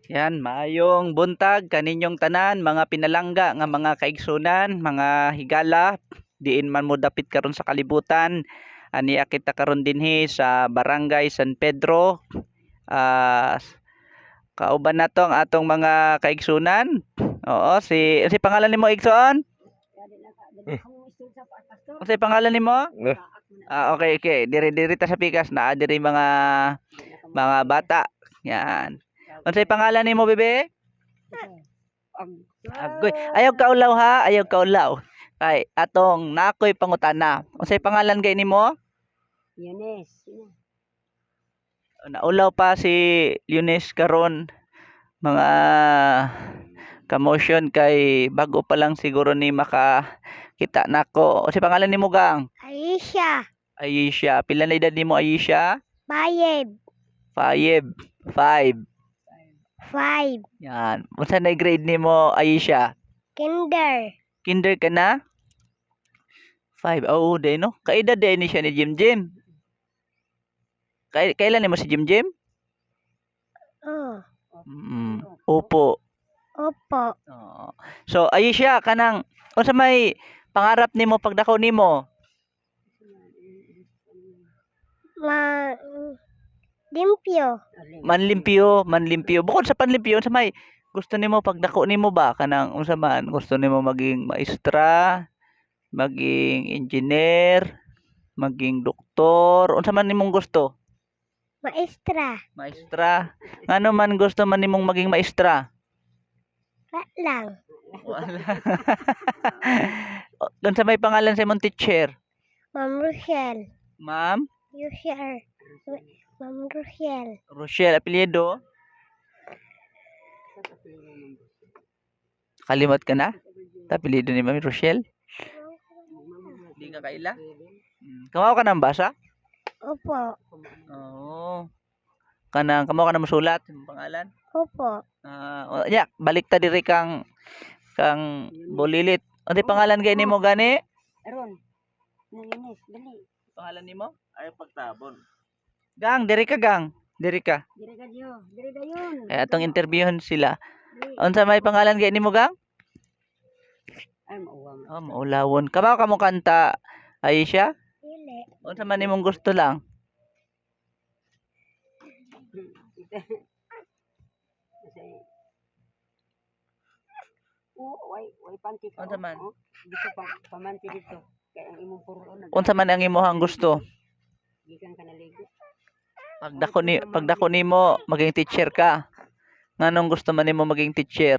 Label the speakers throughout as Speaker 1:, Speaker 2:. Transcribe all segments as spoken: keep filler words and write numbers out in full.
Speaker 1: Yan, maayong buntag kaninyong tanan, mga pinalangga nga mga kaigsunan, mga higala, diin man mo dapit karon sa kalibutan. Aniya kita karon dinhi sa Barangay San Pedro. Ah, kauban nato ang atong mga kaigsunan. Oo, si si pangalan nimo Igsoon? Unsay pangalan nimo?
Speaker 2: Eh,
Speaker 1: Ah, okay, okay. Diri-diri ta sa pikas na diri mga mga bata. Yan. Unsay pangalan nimo, bebe? Agoy. Ayaw kaulaw ha, ayaw kaulaw. Kay atong nakoy pangutana. Unsay pangalan gay nimo?
Speaker 3: Yanes.
Speaker 1: Naulaw pa si Lunes karon mga kamotion kay bago pa lang siguro ni maka kita nako. Unsay pangalan nimo gang?
Speaker 3: Aisha.
Speaker 1: Aisha. Pila na edad nimo Aisha?
Speaker 3: Bayeb.
Speaker 1: Five. Five.
Speaker 3: Five.
Speaker 1: Yan. Unsa na grade nimo Aisha?
Speaker 3: Kinder.
Speaker 1: Kinder ka na? Five. Oo, day no. Kaedad day ni siya ni Jim Jim. Kay kailan nimo si Jim Jim?
Speaker 3: Oh.
Speaker 1: Mm, opo.
Speaker 3: Opo.
Speaker 1: Oo. So Aisha kanang unsa may pangarap nimo pagdako nimo?
Speaker 3: Ma... Limpyo.
Speaker 1: Manlimpyo, manlimpyo. Bukod sa panlimpyo, unsa may gusto nimo pagdako nimo ba kanang unsa man gusto nimo maging maestra, maging engineer, maging doktor, unsa man nimong gusto?
Speaker 3: Maestra.
Speaker 1: Maestra. Ngano man gusto man nimong maging maestra?
Speaker 3: Wala lang.
Speaker 1: Wala. Unsa may pangalan sa imong teacher?
Speaker 3: Ma'am Rochelle.
Speaker 1: Ma'am
Speaker 3: Rochelle. Ma'am Rochelle.
Speaker 1: Rochelle apelyido? Kalimot ka na? Apelyido ni Ma'am Rochelle? Hindi ka kaila? Hmm. Kamaw ka nang basa?
Speaker 3: Opo.
Speaker 1: Oo. Kanang kamaw ka na masulat imong pangalan?
Speaker 3: Opo.
Speaker 1: Ah, uh, ya, balik ta diri kang kang Bulilit. Ano pangalan gay nimo gani?
Speaker 3: Aron. Nalinis. Dali.
Speaker 1: Pangalan nimo? Ay pagtabon. Gang, diri ka gang. Diri ka.
Speaker 3: Diri ka diyo. Diri dayon.
Speaker 1: Kaya atong interviewon sila. Unsa may pangalan gay nimo gang?
Speaker 3: Ay mauwa mo.
Speaker 1: Oh, maulawon. Kamaw ka mo kanta Aisha?
Speaker 3: Dili.
Speaker 1: Unsa man nimong gusto lang?
Speaker 3: Oo, way way panty ka.
Speaker 1: Unsa man?
Speaker 3: Oh, dito pa pamanti dito. Kaya ang imong puron nag
Speaker 1: Unsa man ang imong gusto?
Speaker 3: gikan ka naligo.
Speaker 1: Pagdako ni pagdako nimo maging teacher ka. Nganong gusto man nimo maging teacher?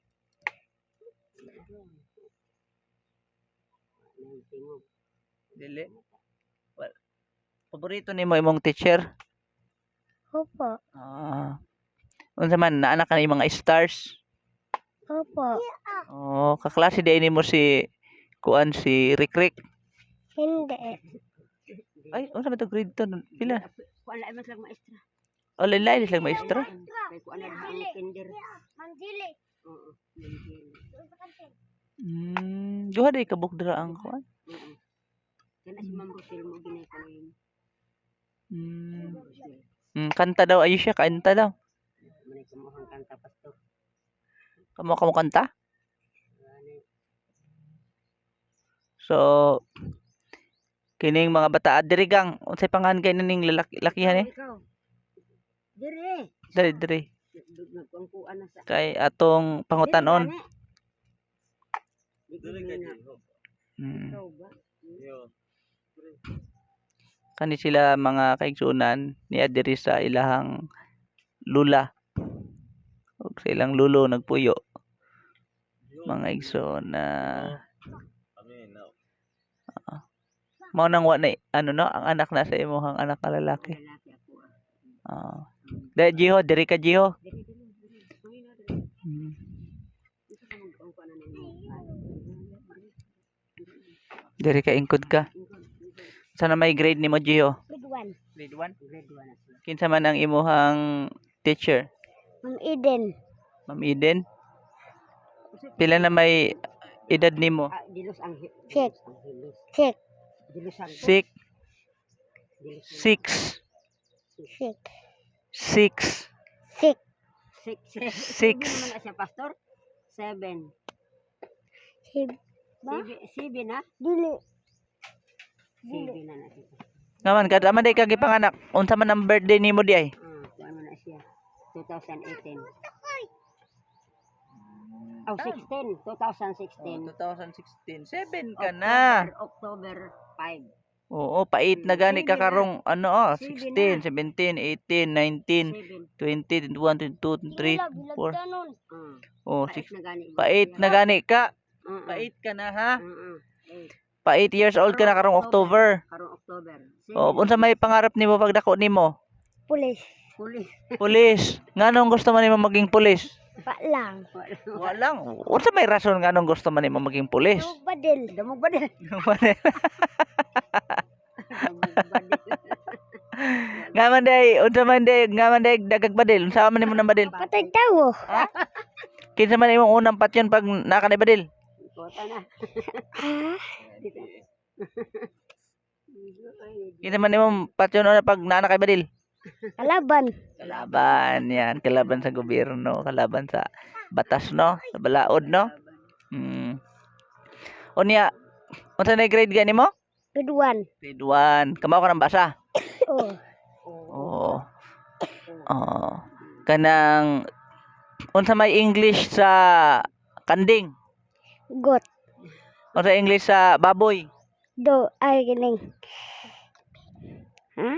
Speaker 1: Dili. Well, paborito nimo imong teacher?
Speaker 3: Opo.
Speaker 1: Ah. Unsa man naanak ka ni mga stars?
Speaker 3: Opo.
Speaker 1: Oh, kaklase din nimo si kuan si Rick Rick.
Speaker 3: Hindi.
Speaker 1: Ay, unsa man to grade to? Pila?
Speaker 3: Kuan lain mas lang maestra.
Speaker 1: Oh, lain lang maestra.
Speaker 3: Kay kuan na ang kinder. Mandili. Oo.
Speaker 1: Hmm, duha day kabuk dira ang kuan.
Speaker 3: Oo. Kana si Ma'am Rochelle mo ginay ko ngayon.
Speaker 1: Hmm. Hmm, kanta daw Aisha, kanta daw.
Speaker 3: Manay kumuhang kanta pastor.
Speaker 1: Kamo kamo kanta? So, kining mga bata diri gang unsay pangalan kay ning lalaki lakihan eh?
Speaker 3: Ikaw. Dire.
Speaker 1: Diri diri.
Speaker 3: Nagkuan na sa.
Speaker 1: Kay atong pangutanon.
Speaker 3: Dire kay
Speaker 1: Hmm.
Speaker 3: Ikaw ba?
Speaker 1: Kani sila mga kaigsunan niya diri sa ilahang lula. Ug sa ilang lulo nagpuyo. Mga igsoon na uh, mao nang wa na ano no ang anak na sa imong anak na lalaki. Ah. Uh, Jiho, diri ka Jiho. Hmm. Diri ka ingkod ka. Sana may grade nimo Jiho?
Speaker 3: Grade one.
Speaker 1: Grade one?
Speaker 3: Grade one.
Speaker 1: Kinsa man ang imuhang teacher?
Speaker 3: Ma'am Eden.
Speaker 1: Ma'am Eden? Pila na may edad nimo?
Speaker 3: Ah, Dilos ang Check. Check. Dilos ang
Speaker 1: Six. Six.
Speaker 3: Check.
Speaker 1: Six.
Speaker 3: Six. Six.
Speaker 1: Six.
Speaker 3: Seven naman na siya, Pastor. Seven.
Speaker 2: Sib. Ba?
Speaker 3: Seven, seven na?
Speaker 2: Dili.
Speaker 3: Seven na na siya.
Speaker 1: Ngaman kada man day kagi panganak. Unsa man ang birthday nimo di ay?
Speaker 3: Ah, kuha mo na siya. twenty eighteen. Oh, sixteen. twenty sixteen.
Speaker 1: twenty sixteen. seven ka na.
Speaker 3: October, October five.
Speaker 1: Oo, pait na gani ka karong ano oh, sixteen, seventeen, eighteen, nineteen,
Speaker 3: Seven.
Speaker 1: twenty, twenty-one, twenty-two, twenty-three,
Speaker 2: Bilag, bilag
Speaker 1: twenty-four.
Speaker 2: tanon.
Speaker 3: Ah,
Speaker 1: Oh,
Speaker 3: pait
Speaker 1: six.
Speaker 3: na gani.
Speaker 1: Pait na gani ka.
Speaker 3: Ah, ah.
Speaker 1: Pait ka na ha.
Speaker 3: Ah, ah. Eight.
Speaker 1: Pa eight years old ka na karong October.
Speaker 3: Karong October.
Speaker 1: Oh, unsa may pangarap nimo pag dako nimo?
Speaker 2: Pulis.
Speaker 3: Huli.
Speaker 1: Pulis. Nganong gusto man nimo maging pulis?
Speaker 2: Pa lang.
Speaker 1: Walang. Unsa may rason nganong gusto man nimo maging pulis?
Speaker 2: Tawag badil.
Speaker 3: Damog ba din? Damog ba din?
Speaker 1: Nga man day, unsa man day, nga man day dagag badil. Unsa man nimo nang badil?
Speaker 2: Patay tawo.
Speaker 1: Ha? Kinsa man imong unang patyon pag nakanay badil?
Speaker 3: Kota na.
Speaker 2: Ha?
Speaker 1: Kinsa man imong patyon una pag nanakay badil?
Speaker 2: Kalaban.
Speaker 1: Kalaban yan, kalaban sa gobyerno, kalaban sa batas no, sa balaod no. Hmm. Unya, unsa na grade gani mo?
Speaker 2: Good one.
Speaker 1: Grade one. Kamaw ka ng basa?
Speaker 2: Oh.
Speaker 1: Oo. Oo. Kanang unsa may English sa kanding?
Speaker 2: Got.
Speaker 1: Unsa English sa baboy?
Speaker 2: Do. Ay, gining. Ha?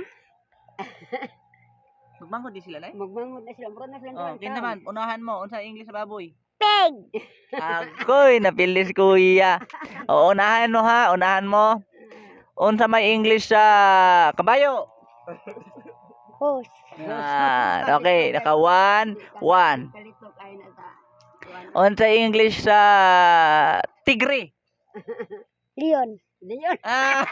Speaker 1: Magmango di sila nay?
Speaker 3: Magmangon na sila. Mura na sila.
Speaker 1: Oh, kin naman, unahan mo unsa English sa baboy?
Speaker 2: Peg.
Speaker 1: Agoy, napilis kuya. O unahan mo ha, unahan mo. Unsa may English sa kabayo?
Speaker 2: Horse.
Speaker 1: Ah, okay, naka one, one.
Speaker 3: Kalito kayo na sa.
Speaker 1: Unsa English sa tigre?
Speaker 2: Leon.
Speaker 3: Hindi yun.
Speaker 1: Ah.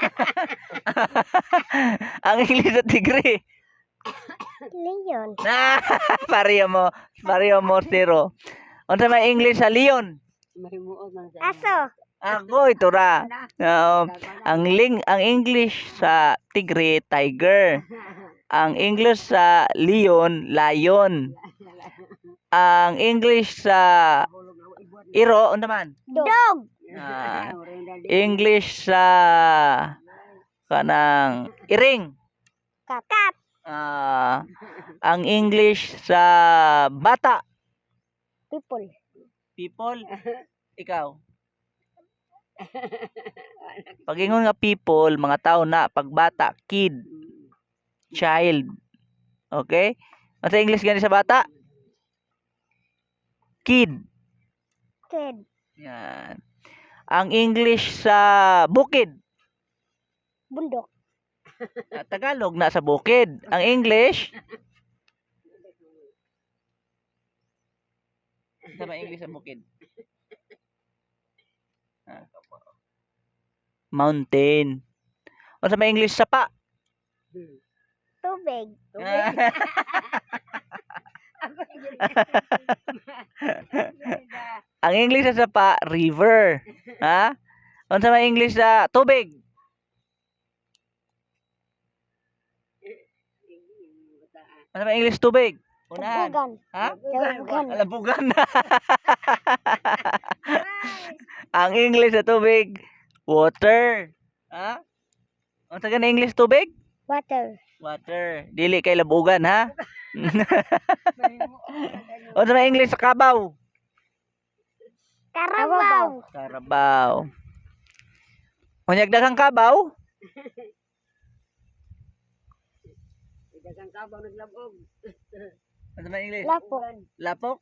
Speaker 1: Ang English sa tigre.
Speaker 2: Leon.
Speaker 1: Ah, pareho mo, pareho mo zero. Unsa may English sa leon?
Speaker 3: Mahimuot man sa.
Speaker 2: Aso.
Speaker 1: Agoy, tura. Um, ang ling ang English sa tigre, tiger. Ang English sa leon, lion. Ang English sa iro, ano naman?
Speaker 2: Dog.
Speaker 1: Ah, English sa kanang iring.
Speaker 2: Kat.
Speaker 1: Ah, ang English sa bata,
Speaker 2: People.
Speaker 1: people. Ikaw. Pag ingon nga people, mga tao na, pag bata, kid, child. Okay? Ano sa English gani sa bata? Kid.
Speaker 2: Kid.
Speaker 1: Yan. Ang English sa bukid.
Speaker 2: Bundok.
Speaker 1: Ah, Tagalog na sa bukid. Ang English? Ano ba English sa bukid? Ah. Mountain. Ano sa English sa pa?
Speaker 2: Tubig.
Speaker 1: Ang English sa sapa, river. Ha? Ano sa English sa tubig? Ano sa English tubig? Unahan.
Speaker 2: Tabugan.
Speaker 1: Ha?
Speaker 2: Tabugan.
Speaker 1: Labugan. Ang English sa tubig, water. Ha? Ano sa gana English tubig?
Speaker 2: Water.
Speaker 1: Water. Dili kay labugan, ha? Ano sa English sa kabaw?
Speaker 2: Karabaw.
Speaker 1: Karabaw. Unyag daghang kabaw?
Speaker 3: Dagang kabaw naglabog.
Speaker 1: Ano sa English?
Speaker 2: Lapo.
Speaker 1: Lapok?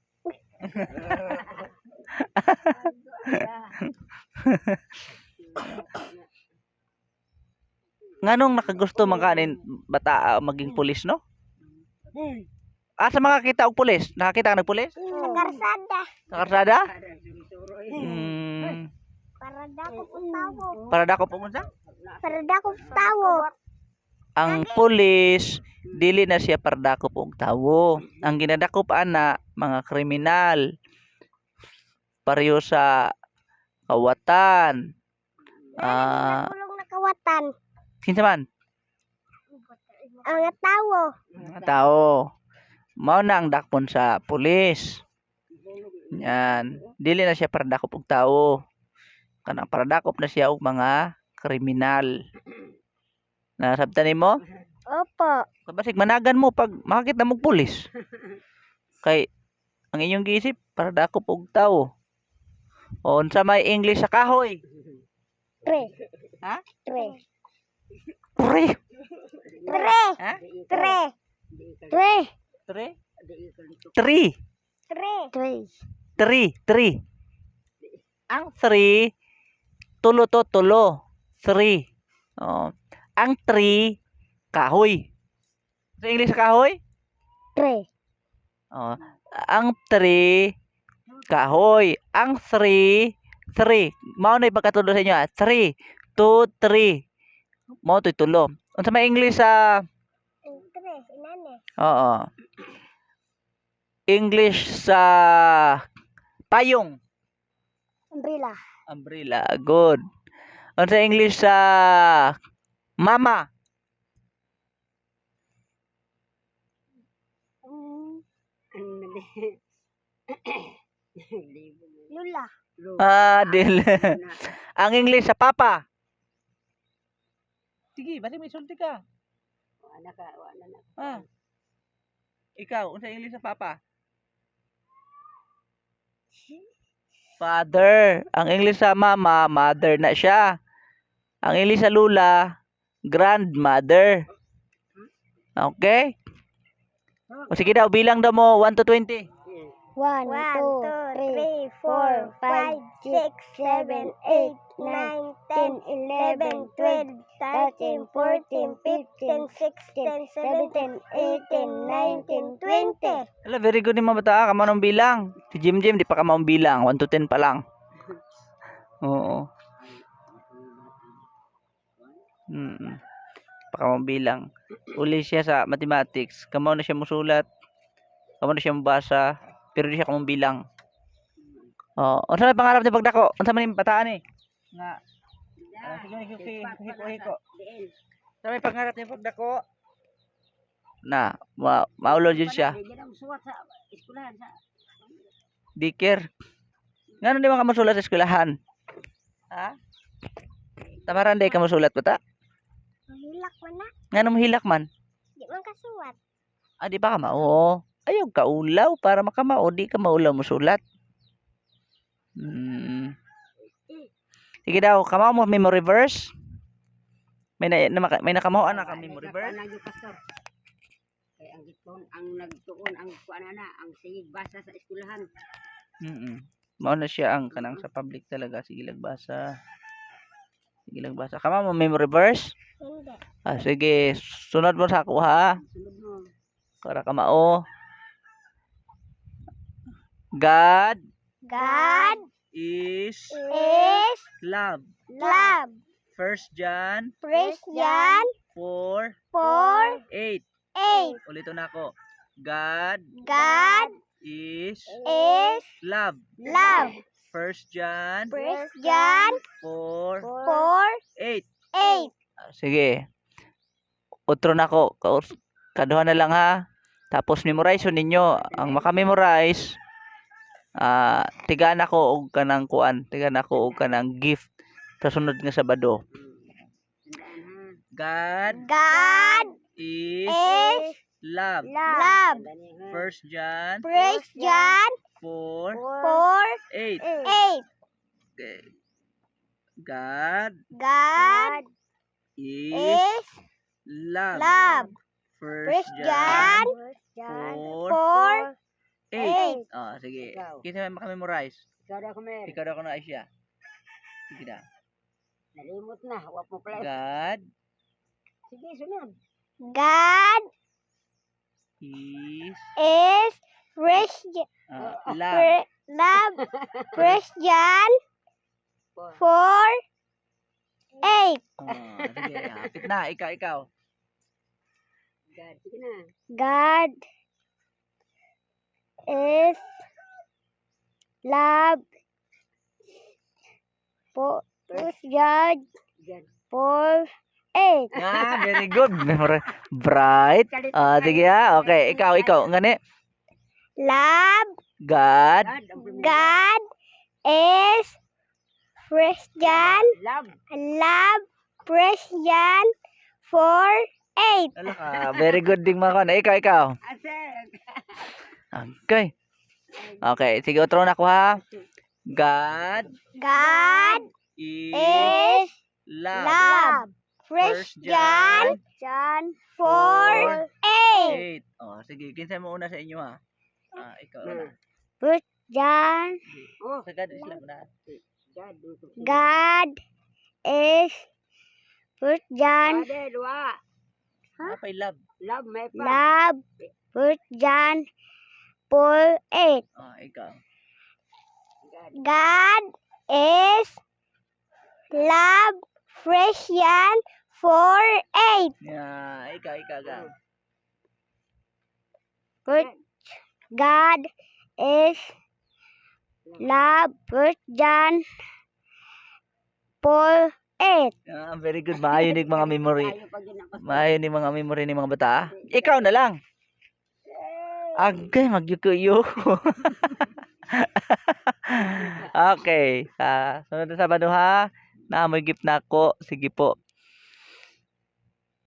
Speaker 1: Nganong nakagusto man kanin bata ah, maging pulis no? Ah, sa mga kita og pulis, nakakita ka ng pulis?
Speaker 2: Sa karsada.
Speaker 1: Sa karsada? Mm,
Speaker 2: Para dako po tawo.
Speaker 1: para dako pumunta?
Speaker 2: Para dako po tawo.
Speaker 1: Ang pulis dili na siya para dakop og tawo. Ang ginadakop ana mga kriminal. Pareho sa kawatan. Ah,
Speaker 2: Tulong nakawatan.
Speaker 1: kinsa man?
Speaker 2: Ang tawo.
Speaker 1: Mga tao. Mao na ang dakpon sa pulis. Yan. Dili na siya para dakop og tawo. Kanang para dakop na siya og mga kriminal. Nasabtan nimo?
Speaker 2: Opo.
Speaker 1: Kabasig managan mo pag makakita mo og pulis. Kay ang inyong giisip para dakop og tawo. O unsa may English sa kahoy?
Speaker 2: Tre.
Speaker 1: Ha?
Speaker 2: Tre.
Speaker 1: Pre.
Speaker 2: Tre.
Speaker 1: Ha?
Speaker 2: Tre.
Speaker 3: Tre.
Speaker 1: Tre? Three.
Speaker 2: Tre.
Speaker 3: Tre.
Speaker 1: Three. Three. Ang three, tulo to tulo. Three. Oh. Ang three, kahoy. Sa English sa kahoy?
Speaker 3: Tre.
Speaker 1: Oh. Ang three, kahoy. Ang three, three. Mao na ipagkatulo sa inyo ah. Three. Two, three. Mao to'y tulo. Unsa may English sa
Speaker 2: Tre. Inane.
Speaker 1: Oo. English sa payong.
Speaker 2: Umbrella.
Speaker 1: Umbrella. Good. Unsa English sa mama?
Speaker 2: Mm, Lula.
Speaker 1: Ah, dil. Ang English sa papa. Sige, bali may sulti ka. Ah. Ikaw, unsa English sa papa? Father. Ang English sa mama, mother na siya. Ang English sa lula, grandmother. Okay? O sige daw, bilang daw mo one to twenty.
Speaker 3: One,
Speaker 2: One,
Speaker 3: two,
Speaker 2: two,
Speaker 3: three,
Speaker 2: three,
Speaker 3: four,
Speaker 2: four,
Speaker 3: five,
Speaker 2: five,
Speaker 3: six,
Speaker 2: six, seven, eight, nine, ten, eleven, twelve, thirteen, fourteen, fifteen, sixteen, seventeen, eighteen, nineteen, twenty.
Speaker 1: Ala, very good ni mga bata. Kamo nang bilang. Si Jim Jim, di pa ka maong bilang. one to ten pa lang. Oo. Mm. Pa ka maong bilang. Uli siya sa mathematics. Kamo na siya musulat. Kamo na siya mabasa. Pero di siya kamong bilang. Oh, unsa may pangarap ni pagdako? Unsa man yung bataan eh? Nga. Ah, sige, sige, sige, hiko, hiko. Unsa may pangarap ni pagdako? Na, ma maulod yun siya. Dikir. Ngano di man ka mosulat sa eskwelahan? Ha? Tamaran day ka mosulat bata?
Speaker 2: Mahilak man na.
Speaker 1: Ngano mohilak man?
Speaker 2: Di man kasuwat.
Speaker 1: Ah, di ba ka mao? Ayaw ka ulaw para makamao, di ka maulaw mosulat. Hmm. Sige daw, kamao mo memory verse? May na, na maka- may nakamahoan na ka memory verse?
Speaker 4: Kay ang gitpon ang nagtuon ang kuan na ang sigig basa sa eskwelahan.
Speaker 1: Mm. Mao na siya ang kanang sa public talaga, sige lagbasa. Sige lagbasa. Kamao mo memory verse?
Speaker 2: Hindi.
Speaker 1: Ah, sige, sunod mo sa ako ha.
Speaker 4: Sunod mo.
Speaker 1: Para kamao. God
Speaker 2: God
Speaker 1: is
Speaker 2: is
Speaker 1: love.
Speaker 2: love.
Speaker 1: First John
Speaker 2: Praise John
Speaker 1: four
Speaker 2: four,
Speaker 1: eight.
Speaker 2: eight.
Speaker 1: Ulitin ako. God
Speaker 2: God
Speaker 1: is
Speaker 2: is
Speaker 1: love.
Speaker 2: love.
Speaker 1: First John
Speaker 2: Praise John
Speaker 1: four
Speaker 2: four,
Speaker 1: eight.
Speaker 2: eight.
Speaker 1: Ah, sige. Utro na ko. Kaus- Kaduha na lang ha. Tapos memorize yun ninyo. Ang makamemorize, ah tigaan ako og kanang kuan. Tigaan ako og kanang gift sa sunod nga Sabado. God
Speaker 2: God
Speaker 1: is
Speaker 2: is
Speaker 1: love.
Speaker 2: love.
Speaker 1: First John
Speaker 2: Praise John
Speaker 1: four
Speaker 2: four,
Speaker 1: eight.
Speaker 2: eight.
Speaker 1: Okay. God
Speaker 2: God
Speaker 1: is
Speaker 2: is
Speaker 1: love.
Speaker 2: love.
Speaker 1: First
Speaker 2: Praise
Speaker 1: John
Speaker 2: John
Speaker 1: four
Speaker 2: four,
Speaker 1: eight.
Speaker 2: eight.
Speaker 1: Ah, sige.
Speaker 4: Ikaw.
Speaker 1: Kita mo makamemorize.
Speaker 4: Ikaw daw ko mer.
Speaker 1: Ikaw daw ko na siya. Sige na.
Speaker 4: Nalimot na, wa mo pala.
Speaker 1: God
Speaker 4: Sige, sunod.
Speaker 2: God
Speaker 1: is
Speaker 2: is praise J-
Speaker 1: uh, love.
Speaker 2: pra- love. Praise John four, eight.
Speaker 1: Ah, sige. Hapit na. Ikaw, ikaw.
Speaker 4: God, sige na.
Speaker 2: God is love. For praise God
Speaker 4: God.
Speaker 2: four, eight.
Speaker 1: Ah, very good. Memor- Bright. Ah, sige ha. Okay, ikaw, ikaw. Ngani.
Speaker 2: Love
Speaker 1: God.
Speaker 4: God, ang primero.
Speaker 2: God is Christian.
Speaker 4: Love.
Speaker 2: Love Christian for eight.
Speaker 1: Ah, very good ding mga kana. Ikaw, ikaw.
Speaker 4: Asel.
Speaker 1: Okay. Okay, sige, otro na ko ha. God
Speaker 2: God
Speaker 1: is
Speaker 2: is
Speaker 1: love.
Speaker 2: love
Speaker 1: First
Speaker 2: Christian
Speaker 1: John
Speaker 2: for eight.
Speaker 1: eight. Oh, sige, kinsa mo una sa inyo ha. Ah, ikaw na.
Speaker 3: First John.
Speaker 4: Oh,
Speaker 1: Sa God is love na.
Speaker 4: God.
Speaker 3: God is First John.
Speaker 4: Ade, dua.
Speaker 1: Apa love?
Speaker 4: Love, may pa.
Speaker 3: Love. First John four eight.
Speaker 1: Oh, ikaw.
Speaker 4: God.
Speaker 2: God is love Christian for eight.
Speaker 1: Yeah, ikaw, ikaw, ikaw.
Speaker 3: First God is love. First John four eight.
Speaker 1: Ah, very good. Maayo ni mga memory.
Speaker 4: Tayo pag ginapas.
Speaker 1: Maayo ni mga memory ni mga bata. ah. Ikaw na lang. Agay, magyukuyo. Okay. Ah, sunod na Sabado ha. Naamoy gift na ako. Sige po.